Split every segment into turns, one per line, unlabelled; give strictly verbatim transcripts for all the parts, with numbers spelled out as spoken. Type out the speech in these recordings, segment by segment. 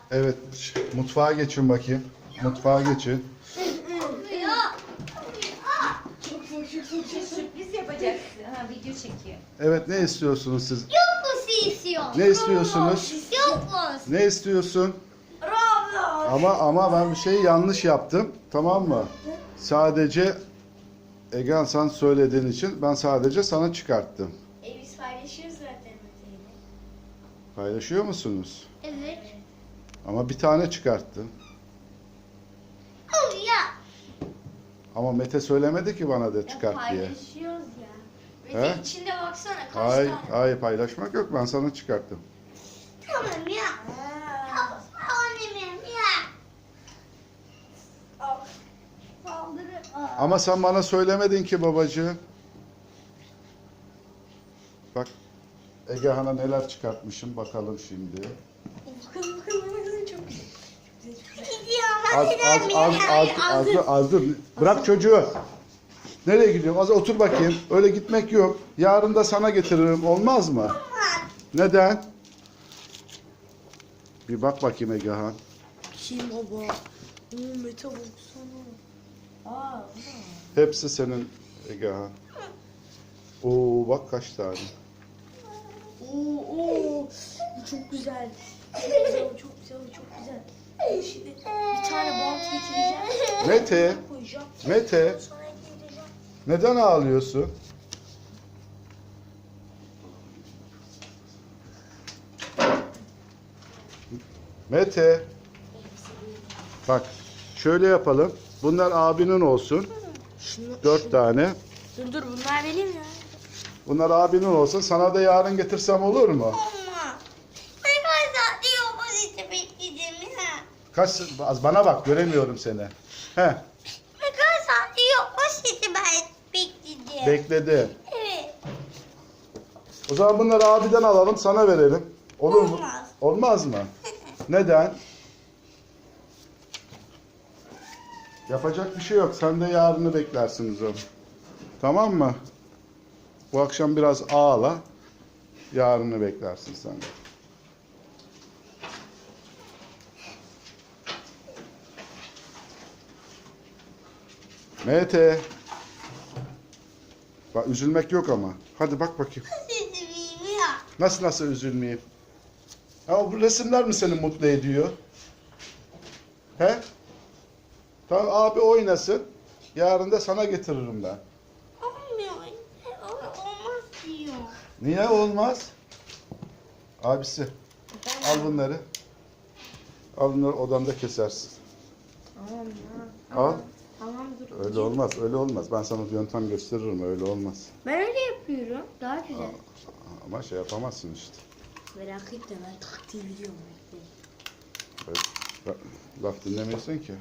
Evet, mutfağa geçin bakayım. Mutfağa geçin.
Sürpriz yapacaksın. Ha, video çekiyor.
Evet, ne istiyorsunuz siz?
Yokmuş istiyor.
Ne istiyorsunuz?
Yokmuş.
Ne istiyorsun?
Roblox.
Ama ama ben bir şeyi yanlış yaptım. Tamam mı? Sadece Egehan sen söylediğin için ben sadece sana çıkarttım.
E biz paylaşıyoruz zaten Mete'yle.
Paylaşıyor musunuz?
Evet.
Ama bir tane çıkarttım.
Oh ya.
Ama Mete söylemedi ki bana da
Ya
çıkart diye.
paylaşıyoruz ya.
He?
Mete içinde baksana kaç
Hayır,
tane.
hayır paylaşmak yok. Ben sana çıkarttım.
Tamam ya. Tamam annemim ya. Saldırı.
Ama sen bana söylemedin ki babacığım. Bak Egehan'a neler çıkartmışım bakalım şimdi.
Bakalım bakalım bakalım çok güzel.
Az az az az az dur, az dur. Bırak çocuğu. Nereye gidiyorsun? Az otur bakayım. Öyle gitmek yok. Yarın da sana getiririm. Olmaz mı? Neden? Bir bak bakayım Egehan.
Kim baba? Oo, Mete baksana. Aa,
Hepsi senin Egehan. Oo bak kaç tane.
Oo, oo. Bu çok güzel. Çok güzel, bu çok güzel, bu çok güzel. Şimdi bir tane bant getireceğim.
Mete,
Koyacağım.
Mete
Sonra getireceğim.
neden ağlıyorsun? Mete. Bak şöyle yapalım. Bunlar abinin olsun.
Şunu,
Dört tane.
Dur dur bunlar benim ya.
Bunlar abinin olsun. Sana da yarın getirsem olur mu?
Ama. Ne kadar saat diyor bu işte bekleyeceğim ya.
Kaç az bana bak göremiyorum seni. He,
Ne kadar saat diyor bu işte ben bekleyeceğim.
bekledi.
Evet.
O zaman bunları abiden alalım, sana verelim. Olur mu?
Olmaz.
Olmaz mı? Neden? Yapacak bir şey yok. Sen de yarını beklersiniz onu. Tamam mı? Bu akşam biraz ağla. Yarını beklersin sen de. Mete. Bak üzülmek yok ama. Hadi bak bakayım.
Üzülmeyeyim ya.
Nasıl nasıl üzülmeyeyim? Ha bu resimler mi seni mutlu ediyor? He? Tamam abi oynasın. Yarın da sana getiririm ben.
Olmuyor. O- Olmaz diyor.
Niye olmaz? Abisi al bunları. Al bunları odamda kesersin.
Tamam ya.
Al.
Tamam dur.
Öyle olmaz, öyle olmaz. Ben sana bir yöntem gösteririm, öyle olmaz.
Ben öyle yapıyorum. Daha güzel.
Ama şey yapamazsın işte.
Merak etme ben taktiği biliyorum.
Evet. Bak, laf dinlemiyorsun ki.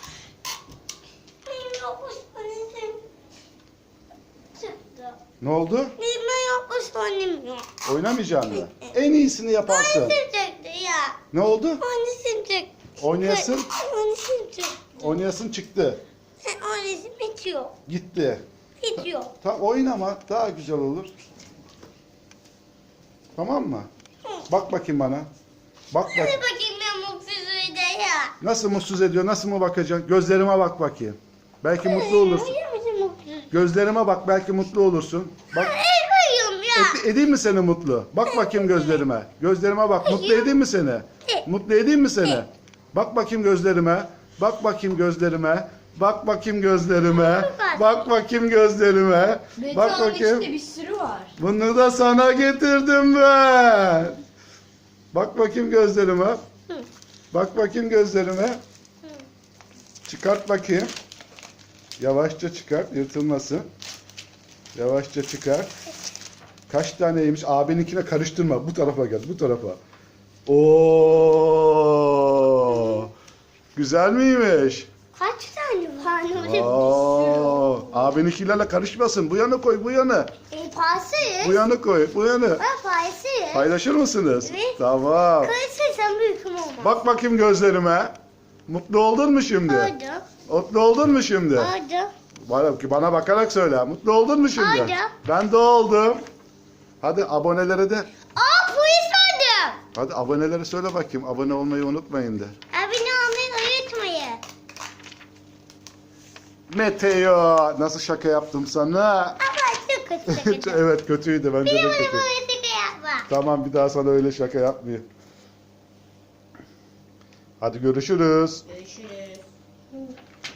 Benim yokmuş annem. Çıktı.
Ne oldu?
Benim yokmuş annem yok.
Oynamayacaksın mı? En iyisini yaparsın.
Annesim çıktı ya.
Ne oldu?
Annesim çıktı.
Oynayasın,
Annesim çıktı.
oynayasın çıktı.
Annesim hiç yok.
Gitti.
Hiç yok.
Ta oynama, daha güzel olur. Tamam mı? Bak bakayım bana. Bak bak.
Hadi bakayım ben mutsuzuydu ya.
Nasıl mutsuz ediyor? Nasıl mı bakacaksın? Gözlerime bak bakayım. Belki mutlu olursun.
Hayır mısın mutsuz?
Gözlerime bak belki mutlu olursun. Bak
Hayır ya.
et- edeyim mi seni mutlu? Bak bakayım gözlerime. Gözlerime bak. Mutlu edeyim mi seni? Mutlu edeyim mi seni? Bak bakayım gözlerime. Bak bakayım gözlerime. Bak bakayım gözlerime. Bak bakayım gözlerime. Bak bakayım.
bir sürü var.
Bunu da sana getirdim ben. Bak bakayım gözlerime. Bak bakayım gözlerime. Çıkart bakayım. Yavaşça çıkart, yırtılmasın. Yavaşça çıkart. Kaç taneymiş? Abininkine karıştırma. Bu tarafa gel, bu tarafa. Oo! Güzel miymiş?
Kaç tane var?
Oo! Abininkilerle karışmasın. Bu yana koy, bu yana.
E, paylaşırız.
Bu yana koy, bu yana.
Ha, paylaşırız.
Paylaşır mısınız?
Evet.
Tamam.
Karışırsan büyüküm olmaz.
Bak bakayım gözlerime. Mutlu oldun mu şimdi?
Oldu.
Mutlu oldun mu şimdi?
Oldu.
Bana, bana bakarak söyle. Mutlu oldun mu şimdi?
Oldu.
Ben de oldum. Hadi abonelere de
Aa polis vardı. seviyorum.
Hadi abonelere söyle bakayım. Abone olmayı unutmayın de.
Abone olmayı unutmayın.
Meteo. Nasıl şaka yaptım sana?
Ama çok kötü.
Evet kötüydü. Bence
Bir
de
bana
kötü.
böyle şaka yapma.
Tamam bir daha sana öyle şaka yapmayayım. Hadi görüşürüz.
Görüşürüz.